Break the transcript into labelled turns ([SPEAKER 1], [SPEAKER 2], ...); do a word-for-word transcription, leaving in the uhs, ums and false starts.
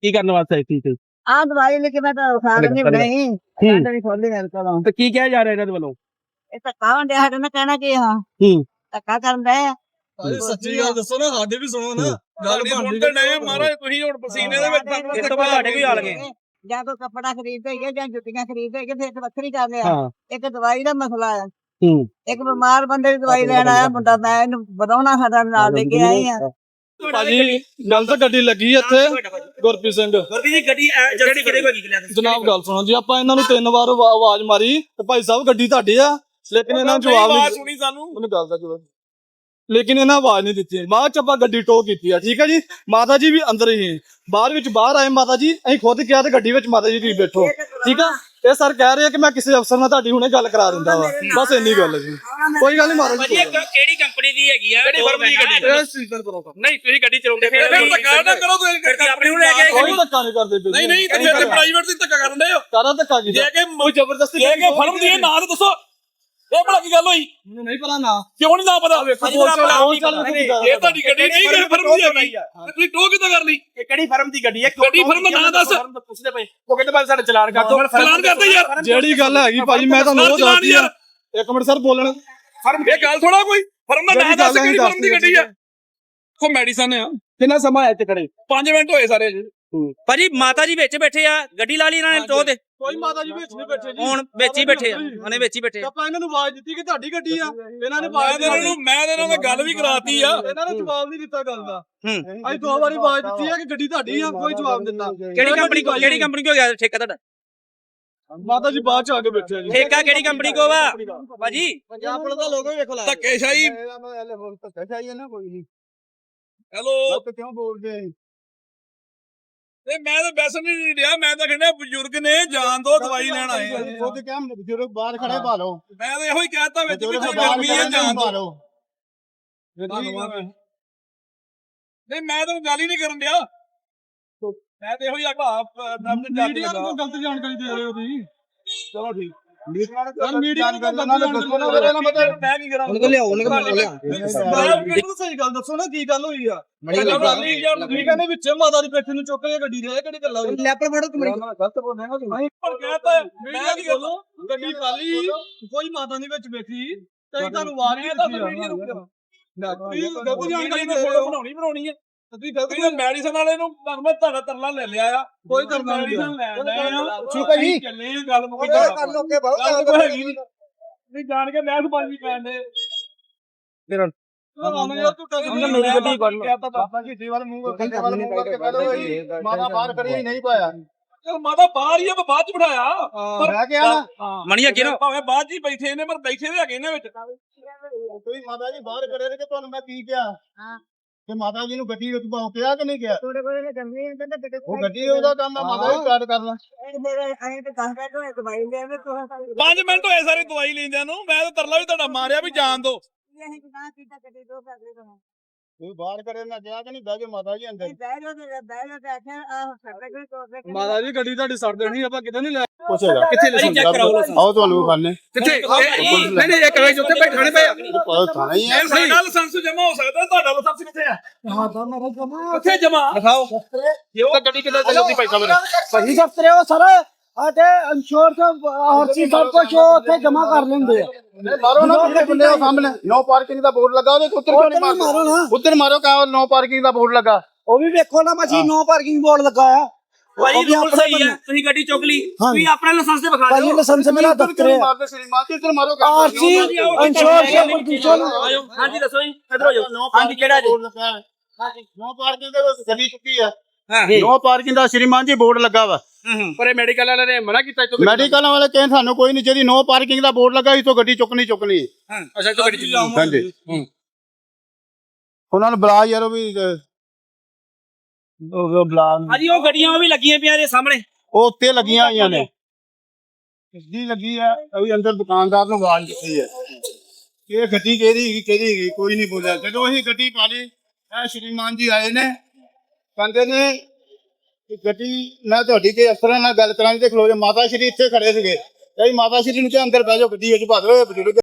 [SPEAKER 1] ਕੀ ਕਰਨ ਵਾਸਤੇ ਆਈ ਸੀ?
[SPEAKER 2] ਆ ਦਵਾਈ ਲੈ ਕੇ ਮੈਂ ਤਾਂ ਖਾ ਰਹੀ ਨਹੀਂ ਨਹੀਂ ਖੋਲੀ ਮੇਰੇ ਕੋਲੋਂ।
[SPEAKER 1] ਤੇ ਕੀ ਕਿਹਾ ਜਾ ਰਿਹਾ ਇਹਨਾਂ ਦੇ ਵੱਲੋਂ?
[SPEAKER 2] ਇਹ ਧੱਕਾ ਹੁੰਦਿਆ ਸਾਡੇ ਨਾਲ ਕਹਿਣਾ ਕੀ ਹਾਂ
[SPEAKER 1] ਹੂੰ
[SPEAKER 2] ਧੱਕਾ ਕਰਨ ਦੇ
[SPEAKER 3] ਅਰੇ ਸੱਚੀ ਗੱਲ ਦੱਸੋ ਨਾ, ਸਾਡੇ ਵੀ ਸੁਣੋ ਨਾ ਗੱਲ ਬਣਦੀ ਤੇ ਨਹੀਂ ਮਹਾਰਾਜ। ਤੁਸੀਂ ਹੁਣ ਪਸੀਨੇ ਦੇ ਵਿੱਚ
[SPEAKER 1] ਇਸ ਤੋਂ ਬਾਅਦ ਸਾਡੇ ਕੋਈ ਹਾਲ ਗਏ
[SPEAKER 2] ਜਾਂ ਕੋਈ ਕੱਪੜਾ ਖਰੀਦਦੇ ਹੈਗੇ ਜਾਂ ਜੁੱਤੀਆਂ ਖਰੀਦਦੇ ਹੈਗੇ, ਫਿਰ ਵੱਖਰੀ ਕਰ ਲਿਆ।
[SPEAKER 1] ਹਾਂ
[SPEAKER 2] ਇੱਕ ਦਵਾਈ ਦਾ ਮਸਲਾ ਆ,
[SPEAKER 1] ਹੂੰ
[SPEAKER 2] ਇੱਕ ਬਿਮਾਰ ਬੰਦੇ ਦੀ ਦਵਾਈ ਲੈਣ ਆਇਆ ਮੁੰਡਾ, ਮੈਂ ਇਹਨੂੰ ਵਧਾਉਣਾ ਸਾਡਾ ਨਾਲ ਲੈ ਕੇ ਆਈ ਆ।
[SPEAKER 3] ਭਾਜੀ ਗੱਲ ਤਾਂ ਗੱਡੀ ਲੱਗੀ ਇੱਥੇ ਗੁਰਪ੍ਰੀਤ ਸਿੰਘ
[SPEAKER 1] ਗੁਰਪ੍ਰੀਤ ਜੀ ਗੱਡੀ ਜਲਦੀ ਕਿਹੜੇ ਕੋਲ ਗਈ?
[SPEAKER 3] ਜਨਾਬ ਗੱਲ ਸੁਣੋ ਜੀ, ਆਪਾਂ ਇਹਨਾਂ ਨੂੰ ਤਿੰਨ ਵਾਰ ਆਵਾ- ਆਵਾਜ਼ ਮਾਰੀ ਤੇ ਭਾਈ ਸਾਹਿਬ ਗੱਡੀ ਤੁਹਾਡੀ ਆ, ਲੇਕਿਨ ਇਹਨਾਂ ਨੂੰ ਜਵਾਬ ਨਹੀਂ
[SPEAKER 1] ਸੁਣੀ ਸਾਨੂੰ।
[SPEAKER 3] ਮੈਨੂੰ ਗੱਲ ਦਾ ਜਵਾਬ ਲੇਕਿਨ ਇਹਨਾਂ ਆਵਾਜ਼ ਨਹੀਂ ਦਿੱਤੀ। ਬਾਅਦ ਚ ਆਪਾਂ ਗੱਡੀ ਟੋ ਕੀਤੀ ਆ, ਠੀਕ ਹੈ ਜੀ। ਮਾਤਾ ਜੀ ਵੀ ਅੰਦਰ ਹੀ, ਬਾਹਰ ਵਿੱਚ ਬਾਹਰ ਆਏ ਮਾਤਾ ਜੀ, ਅਸੀਂ ਖੁਦ ਕਿਹਾ ਤੇ ਗੱਡੀ ਵਿੱਚ ਮਾਤਾ ਜੀ ਤੁਸੀਂ ਬੈਠੋ, ਠੀਕ ਆ। ਇਹ ਸਰ ਕਹਿ ਰਹੇ ਆ ਕਿ ਮੈਂ ਕਿਸੇ ਅਫਸਰ ਨਾਲ ਤੁਹਾਡੀ ਹੁਣੇ ਗੱਲ ਕਰਾ ਦਿੰਦਾ ਵਾ, ਬਸ ਇੰਨੀ ਗੱਲ ਹੈ ਜੀ। ਕੋਈ ਗੱਲ ਨਹੀਂ ਮਾਤਾ ਜੀ।
[SPEAKER 1] ਕਿਹੜੀ ਕੰਪਨੀ ਦੀ ਹੈਗੀ ਆ? ਕਿਹੜੀ ਫਰਮ ਦੀ ਗੱਡੀ? ਨਹੀਂ ਤੁਸੀਂ ਗੱਡੀ ਚਲਾਉਂਦੇ ਫਿਰ
[SPEAKER 3] ਧੱਕਾ ਨਾ ਕਰੋ,
[SPEAKER 1] ਤੁਸੀਂ ਆਪਣੇ ਨੂੰ ਲੈ ਕੇ
[SPEAKER 3] ਕੋਈ ਧੱਕਾ ਨਹੀਂ ਕਰਦੇ ਤੁਸੀਂ।
[SPEAKER 4] ਨਹੀਂ ਨਹੀਂ ਤੇ ਫਿਰ ਪ੍ਰਾਈਵੇਟ ਦੀ ਧੱਕਾ ਕਰਨ ਦੇ ਹੋ।
[SPEAKER 3] ਕਾਰਾ ਧੱਕਾ ਕੀ
[SPEAKER 4] ਜੇ ਕਿ
[SPEAKER 3] ਕੋਈ ਜ਼ਬਰਦਸਤੀ
[SPEAKER 4] ਜੇ ਕਿ ਫਰਮ ਦੀ ਇਹ ਨਾਂ ਤਾਂ ਦੱਸੋ, ਇਹ ਭਲਾ ਕੀ ਗੱਲ ਹੋਈ?
[SPEAKER 3] ਮੈਨੂੰ ਨਹੀਂ ਪਤਾ ਨਾ
[SPEAKER 4] ਕਿਉਂ ਨਹੀਂ ਨਾ ਪਤਾ? ਇਹ
[SPEAKER 3] ਇਹ
[SPEAKER 4] ਤੁਹਾਡੀ ਗੱਡੀ ਨਹੀਂ ਕਿ ਫਰਮ ਦੀ ਹੈਗੀ, ਤੇ ਤੁਸੀਂ ਟੋ ਕਿੱਦਾਂ ਕਰ ਲਈ?
[SPEAKER 1] ਕਿਹੜੀ ਫਰਮ ਦੀ ਗੱਡੀ ਹੈ?
[SPEAKER 4] ਗੱਡੀ ਫਰਮ ਦਾ ਨਾਂ ਦੱਸ।
[SPEAKER 1] ਪੁੱਛਦੇ ਪਏ ਉਹ ਕਹਿੰਦੇ ਬਾਅਦ ਸਾਡਾ ਚਲਾਨ ਕਰ ਦੋ।
[SPEAKER 4] ਚਲਾਨ ਕਰਦੇ ਯਾਰ।
[SPEAKER 3] ਜਿਹੜੀ ਗੱਲ ਹੈਗੀ ਭਾਜੀ ਮੈਂ ਤੁਹਾਨੂੰ ਉਹ ਦੱਸਦੀ ਆ। ਇੱਕ ਮਿੰਟ ਸਰ ਬੋਲਣ।
[SPEAKER 4] ਫਰਮ ਇਹ ਗੱਲ ਥੋੜਾ ਕੋਈ ਫਰਮ ਦਾ ਨਾਂ ਦੱਸ, ਕਿਹੜੀ ਫਰਮ ਦੀ ਗੱਡੀ ਆ? ਕੋ ਮੈਡੀਸਨ ਆ।
[SPEAKER 1] ਕਿੰਨਾ ਸਮਾਂ ਆਇਆ ਇੱਥੇ ਖੜੇ?
[SPEAKER 4] ਪੰਜ ਮਿੰਟ ਹੋਏ ਸਾਰੇ ਜੀ।
[SPEAKER 5] ਭਾਜੀ ਮਾਤਾ ਜੀ ਵਿੱਚ ਬੈਠੇ ਆ, ਗੱਡੀ ਲਾ ਲਈ ਇਹਨਾਂ ਨੇ ਟੋ ਤੇ।
[SPEAKER 3] ਕੋਈ ਮਾਤਾ ਜੀ ਵਿੱਚ ਨਹੀਂ ਬੈਠੇ ਜੀ,
[SPEAKER 5] ਹੁਣ ਵਿੱਚ ਹੀ ਬੈਠੇ ਆ, ਉਹਨੇ ਵਿੱਚ ਹੀ ਬੈਠੇ ਆ।
[SPEAKER 3] ਆਪਾਂ ਇਹਨਾਂ ਨੂੰ ਆਵਾਜ਼ ਦਿੱਤੀ ਕਿ ਤੁਹਾਡੀ ਗੱਡੀ ਆ, ਇਹਨਾਂ ਨੇ
[SPEAKER 4] ਮੈਂ
[SPEAKER 3] ਆਵਾਜ਼
[SPEAKER 4] ਤੇ ਇਹਨਾਂ ਨੂੰ ਮੈਂ ਤੇ ਇਹਨਾਂ ਨਾਲ ਗੱਲ ਵੀ ਕਰਾਤੀ ਆ।
[SPEAKER 3] ਇਹਨਾਂ ਨੇ ਜਵਾਬ ਨਹੀਂ ਦਿੱਤਾ ਗੱਲ ਦਾ।
[SPEAKER 5] ਹੂੰ
[SPEAKER 3] ਅਸੀਂ ਦੋ ਵਾਰੀ ਆਵਾਜ਼ ਦਿੱਤੀ ਆ ਕਿ ਗੱਡੀ ਤੁਹਾਡੀ ਆ, ਕੋਈ ਜਵਾਬ ਦਿੱਤਾ।
[SPEAKER 5] ਕਿਹੜੀ ਕੰਪਨੀ ਕੋ ਕਿਹੜੀ ਕੰਪਨੀ ਕੋ ਗਿਆ ਠੇਕਾ ਤੁਹਾਡਾ?
[SPEAKER 3] ਮਾਤਾ ਜੀ ਬਾਅਦ ਚ ਆ ਕੇ ਬੈਠੇ ਆ ਜੀ।
[SPEAKER 5] ਠੇਕਾ ਕਿਹੜੀ ਕੰਪਨੀ ਕੋ ਵਾ ਭਾਜੀ?
[SPEAKER 3] ਪੰਜਾਬ ਪੁਲਿਸ ਦਾ ਲੋਗੋ ਵੇਖ ਲੈ।
[SPEAKER 4] ਧੱਕੇਸ਼ਾਹੀ।
[SPEAKER 3] ਧੱਕੇਸ਼ਾਹੀ ਹੈ ਨਾ ਕੋਈ ਨਹੀਂ।
[SPEAKER 4] ਹੈਲੋ
[SPEAKER 3] ਕਿਉਂ ਬੋਲਦੇ ਆ?
[SPEAKER 4] ਤੇ ਮੈਂ ਤਾਂ ਵੈਸੇ ਨਹੀਂ ਰਿਹਾ, ਮੈਂ ਤਾਂ ਕਹਿੰਦਾ ਬਜ਼ੁਰਗ ਨੇ ਜਾਨ ਦੋ, ਦਵਾਈ ਲੈਣ ਆਏ ਆ।
[SPEAKER 3] ਖੁਦ ਕਿਹਾ ਬਜ਼ੁਰਗ ਬਾਹਰ ਖੜੇ ਭਾਲੋ।
[SPEAKER 4] ਮੈਂ ਤਾਂ ਇਹੋ ਹੀ ਕਹਿਤਾ ਵਿੱਚ ਵੀ ਗਰਮੀ ਹੈ, ਜਾਨ ਦੋ। ਨਹੀਂ ਮੈਂ ਤਾਂ ਗੱਲ ਹੀ ਨਹੀਂ ਕਰਨ ਡਿਆ, ਮੈਂ ਤਾਂ ਇਹੋ ਹੀ ਆਖਾ
[SPEAKER 3] ਮੀਡੀਆ ਨੂੰ ਗਲਤ ਜਾਣਕਾਰੀ ਦੇ ਰਹੇ ਹੋ ਤੁਸੀਂ।
[SPEAKER 4] ਚਲੋ ਠੀਕ।
[SPEAKER 3] ਯਾਰ ਮੀਡੀਆ ਨੂੰ ਗਲਤ ਦੱਸੋ ਨਾ, ਮੇਰੇ ਨਾਲ ਮਤਲਬ
[SPEAKER 4] ਮੈਂ ਕੀ ਕਰਾਂ?
[SPEAKER 5] ਉਹਨੂੰ ਕੋ ਲਿਆਓ, ਉਹਨੂੰ ਕੋ ਲਿਆ।
[SPEAKER 3] ਮੈਨੂੰ ਸਹੀ ਗੱਲ ਦੱਸੋ ਨਾ, ਕੀ ਗੱਲ ਹੋਈ ਆ? ਠੀਕ ਹੈ ਨੇ ਵਿੱਚ ਮਾਤਾ ਦੀ ਪੇਠੇ ਨੂੰ ਚੁੱਕ ਕੇ ਗੱਡੀ ਦੇ ਕਿਹੜੀ ਗੱਲਾਂ ਹੋਈ?
[SPEAKER 5] ਲੈਪਰ ਫੜੋ ਤੁਸੀਂ।
[SPEAKER 3] ਗਲਤ ਬੋਲਦੇ ਨਾ ਤੁਸੀਂ।
[SPEAKER 4] ਪਰ ਕਹਿਤਾ
[SPEAKER 3] ਮੈਂ ਕੀ ਬੋਲੋ, ਗੱਡੀ ਖਾਲੀ ਕੋਈ ਮਾਤਾ ਨਹੀਂ ਵਿੱਚ ਬੈਠੀ ਤੇ ਤੁਹਾਨੂੰ ਆਵਾਜ਼ ਨਹੀਂ ਦਿੱਤੀ ਆ। ਨਾ ਤੁਸੀਂ ਗਲਤ ਜਾਣਕਾਰੀ ਦੇ ਰਹੇ ਹੋ।
[SPEAKER 4] ਬਣਾਉਣੀ ਬਣਾਉਣੀ ਹੈ
[SPEAKER 3] ਤੁਸੀਂ ਗਲਤ
[SPEAKER 4] ਤੁਸੀਂ ਮੈਡੀਸਨ ਵਾਲੇ ਨੂੰ ਤੁਹਾਨੂੰ ਮੈਂ ਤੁਹਾਡਾ ਤਰਲਾ ਲੈ ਲਿਆ ਆ।
[SPEAKER 3] ਕੋਈ ਕਰਨਾ ਨਹੀਂ।
[SPEAKER 4] ਮੈਡੀਸਨ ਲੈਣ ਆ।
[SPEAKER 3] ਠੀਕ ਹੈ ਜੀ।
[SPEAKER 4] ਚੱਲੇ ਆ, ਗੱਲ ਮੁੱਕ
[SPEAKER 3] ਕਰ ਲੋ ਕੇ ਬਹੁਤ
[SPEAKER 4] ਗੱਲ ਕੋਈ ਹੈਗੀ ਨਹੀਂ। ਨਹੀਂ ਜਾਣ ਕੇ ਮੈਂ ਸੁਪਾਜੀ ਪੈਣ ਦੇ
[SPEAKER 3] ਮੇਰੀ ਗੱਡੀ ਕੱਢ ਲੋ। ਬਾਬਾ ਜੀ ਦੀ ਵਾਰ ਮੂੰਹ ਕੰਨੇ ਵਾਲ ਮੂੰਹ ਕਰਕੇ ਕਹਿ ਲੋ ਮਾਤਾ ਬਾਹਰ ਕਰੀ ਨਹੀਂ ਪਾਇਆ।
[SPEAKER 4] ਚਲ ਮਾਤਾ ਬਾਹਰ ਹੀ ਆ, ਮੈਂ ਬਾਅਦ ਚ ਬਿਠਾਇਆ।
[SPEAKER 3] ਪਰ ਮੈਂ ਕਿਹਾ ਨਾ
[SPEAKER 5] ਮਣੀ ਅੱਗੇ ਨਾ
[SPEAKER 4] ਭਾਵੇਂ ਬਾਅਦ ਚ ਹੀ ਬੈਠੇ ਨੇ, ਪਰ ਬੈਠੇ ਵੀ ਹੈਗੇ ਨੇ ਵਿੱਚ।
[SPEAKER 3] ਤੁਸੀਂ ਮਾਤਾ ਜੀ ਬਾਹਰ ਖੜੇ ਰਹੇ ਕਿ ਤੁਹਾਨੂੰ ਮੈਂ ਕੀ ਕਿਹਾ?
[SPEAKER 2] ਹਾਂ
[SPEAKER 3] ਕਿ ਮਾਤਾ ਜੀ ਨੂੰ ਗੱਡੀ ਵਿੱਚ ਪਾਓ, ਕਿਹਾ ਕਿ ਨਹੀਂ ਕਿਹਾ?
[SPEAKER 2] ਥੋੜੇ ਕੋਲੇ ਕਰਨੀ ਹੈ ਤੇ ਕਿਤੇ
[SPEAKER 3] ਉਹ ਗੱਡੀ ਉਹਦਾ ਕੰਮ ਆ, ਮਾਤਾ ਜੀ ਸਟਾਰਟ ਕਰਨਾ।
[SPEAKER 2] ਇਹ ਮੇਰੇ ਆਏ ਤੇ ਦਸ ਬੈਠੋ ਦਵਾਈ ਲੈ ਆਵੇ ਤੂੰ
[SPEAKER 4] ਪੰਜ ਮਿੰਟ ਹੋਏ ਸਾਰੇ ਦਵਾਈ ਲੈਂਦਿਆਂ ਨੂੰ, ਮੈਂ ਤਾਂ ਤਰਲਾ ਵੀ ਤੁਹਾਡਾ ਮਾਰਿਆ ਵੀ ਜਾਣ ਦੋ।
[SPEAKER 2] ਇਹ ਕਿਦਾਂ ਕੀਤਾ ਕਦੇ ਦੋ ਕਰਦੇ ਤੋਂ
[SPEAKER 3] ਤੁਸੀਂ ਬਾਹਰ ਖੜੇ ਨਾ ਕਿਹਾ ਕਿ ਨਹੀਂ ਬਹਿ ਕੇ ਮਾਤਾ ਜੀ ਅੰਦਰ।
[SPEAKER 2] ਬਹਿ ਜਾ ਤੇ ਬਹਿ ਜਾ ਤੇ ਆਖਿਆ ਆਹ ਸਾਡੇ ਕੋਈ ਕੋਲ
[SPEAKER 3] ਮਾਤਾ ਜੀ ਗੱਡੀ ਤੁਹਾਡੀ ਸੜ ਦੇਣੀ, ਆਪਾਂ ਕਿਤੇ ਨਹੀਂ ਲੈ
[SPEAKER 1] ਪੁੱਛੇਗਾ ਕਿੱਥੇ ਲਾਇਸੈਂਸ ਚੈੱਕ ਕਰਾਓ।
[SPEAKER 3] ਆਓ ਤੁਹਾਨੂੰ ਖਾਣੇ
[SPEAKER 1] ਕਿੱਥੇ? ਨਹੀਂ ਨਹੀਂ ਇੱਕ ਵਜੇ ਉੱਥੇ ਬੈਠਾਣੇ ਪਏ ਆ।
[SPEAKER 3] ਪਤਾ ਥਾਣਾ ਹੀ ਹੈ।
[SPEAKER 4] ਸਾਡਾ ਲਾਇਸੈਂਸ ਜਮਾ ਹੋ ਸਕਦਾ, ਤੁਹਾਡਾ ਲਾਇਸੈਂਸ ਕਿੱਥੇ ਆ?
[SPEAKER 3] ਹਾਂ ਤਾਂ ਮੇਰਾ ਜਮਾ
[SPEAKER 4] ਕਿੱਥੇ ਜਮਾ?
[SPEAKER 1] ਦਿਖਾਓ ਤਾਂ ਗੱਡੀ ਕਿੱਦਾਂ ਚੱਲਦੀ ਪੈਸਾ ਮੇਰੇ।
[SPEAKER 6] ਸਹੀ ਦਫਤਰੇ ਉਹ ਸਰ ਅਤੇ ਇੰਸ਼ੋਰੈਂਸ ਆਰਸੀ ਸਭ ਕੁਝ ਉੱਥੇ ਜਮਾ ਕਰ ਲੈਂਦੇ ਆ।
[SPEAKER 3] ਮਾਰੋ ਨਾ ਕਿਹੜੇ ਬੰਦੇ ਉਹ ਸਾਹਮਣੇ ਨੋ ਪਾਰਕਿੰਗ ਦਾ ਬੋਰਡ ਲੱਗਾ, ਉਹਦੇ ਉੱਤਰ ਕਿਉਂ ਨਹੀਂ
[SPEAKER 6] ਮਾਰੋ ਨਾ।
[SPEAKER 3] ਉੱਧਰ ਮਾਰੋ ਕਾ ਨੋ ਪਾਰਕਿੰਗ ਦਾ ਬੋਰਡ ਲੱਗਾ।
[SPEAKER 6] ਉਹ ਵੀ ਵੇਖੋ ਨਾ ਮਸੀਂ ਨੋ ਪਾਰਕਿੰਗ ਬੋਰਡ ਲੱਗਾ ਆ।
[SPEAKER 5] ਭਾਜੀ ਰੂਲ ਸਹੀ ਹੈ, ਤੁਸੀਂ ਗੱਡੀ ਚੁੱਕ ਲਈ, ਤੁਸੀਂ ਆਪਣਾ ਲਾਇਸੈਂਸ ਤੇ ਵਿਖਾ
[SPEAKER 6] ਭਾਜੀ
[SPEAKER 5] ਦਿਓ।
[SPEAKER 6] ਲਾਇਸੈਂਸ ਮੇਰਾ ਦਫਤਰ ਹੈ।
[SPEAKER 3] ਮਾਰਦੇ ਸ਼੍ਰੀਮਾਨ ਜੀ, ਇੱਧਰ ਮਾਰੋ
[SPEAKER 6] ਆਰਸੀ ਇੰਸ਼ੋਰੈਂਸ ਪ੍ਰਦੂਸ਼ਣ
[SPEAKER 5] ਆਜੋ ਹਾਂਜੀ ਦੱਸੋ ਜੀ, ਇਧਰ ਹੋ ਜਾਓ। ਹਾਂਜੀ ਕਿਹੜਾ ਜੀ?
[SPEAKER 3] ਨੋ ਪਾਰਕਿੰਗ ਦੇ ਵਿੱਚ ਗੱਡੀ ਚੁੱਕੀ ਆ।
[SPEAKER 5] ਹਾਂ
[SPEAKER 3] ਨੋ ਪਾਰਕਿੰਗ ਦਾ ਸ਼੍ਰੀਮਾਨ ਜੀ ਬੋਰਡ ਲੱਗਾ ਵਾ।
[SPEAKER 1] ਪਰ ਇਹ ਮੈਡੀਕਲ ਵਾਲਿਆਂ ਨੇ ਮਨਾ ਕੀਤਾ ਇੱਥੋਂ।
[SPEAKER 3] ਮੈਡੀਕਲ ਵਾਲੇ ਕਹਿੰਦੇ ਸਾਨੂੰ ਕੋਈ ਨਹੀਂ, ਜਿਹੜੀ ਨੋ ਪਾਰਕਿੰਗ ਦਾ ਬੋਰਡ ਲੱਗਾ ਇਥੋਂ ਗੱਡੀ ਚੁੱਕਣੀ ਚੁੱਕਣੀ।
[SPEAKER 1] ਅੱਛਾ ਇੱਥੋਂ ਗੱਡੀ ਚੱਲੀ।
[SPEAKER 3] ਹਾਂਜੀ ਉਹਨਾਂ ਨੂੰ ਬੁਲਾ ਯਾਰ, ਉਹ ਵੀ ਉਹ ਬੁਲਾ।
[SPEAKER 5] ਹਾਂਜੀ ਉਹ ਗੱਡੀਆਂ ਉਹ ਵੀ ਲੱਗੀਆਂ ਪਈਆਂ ਦੇ ਸਾਹਮਣੇ।
[SPEAKER 3] ਉਹ ਉੱਤੇ ਲੱਗੀਆਂ ਹੋਈਆਂ ਨੇ, ਗੱਡੀ ਲੱਗੀ ਆ। ਅਭੀ ਅੰਦਰ ਦੁਕਾਨਦਾਰ ਨੂੰ ਆਵਾਜ਼ ਦਿੱਤੀ ਹੈ ਕਿ ਗੱਡੀ ਕਿਹਦੀ ਹੈਗੀ ਕਿਹਦੀ ਹੈਗੀ, ਕੋਈ ਨਹੀਂ ਬੋਲਿਆ। ਜਦੋਂ ਅਸੀਂ ਗੱਡੀ ਪਾ ਲਈ, ਇਹ ਸ਼੍ਰੀਮਾਨ ਜੀ ਆਏ ਨੇ, ਕਹਿੰਦੇ ਨੇ ਕਿ ਗੱਡੀ ਮੈਂ ਤੁਹਾਡੀ ਕੇ ਅਫਸਰਾਂ ਨਾਲ ਗੱਲ ਕਰਾਂਗੀ ਤੇ ਖਲੋ ਜਾ। ਮਾਤਾ ਸ਼੍ਰੀ ਇੱਥੇ ਖੜੇ ਸੀਗੇ, ਕਈ ਮਾਤਾ ਸ਼੍ਰੀ ਨੂੰ ਤੇ ਅੰਦਰ ਬਹਿ ਜਾਓ, ਗੱਡੀ ਵਿੱਚ ਭਾ ਦਿਓ ਬਜ਼ੁਰਗ।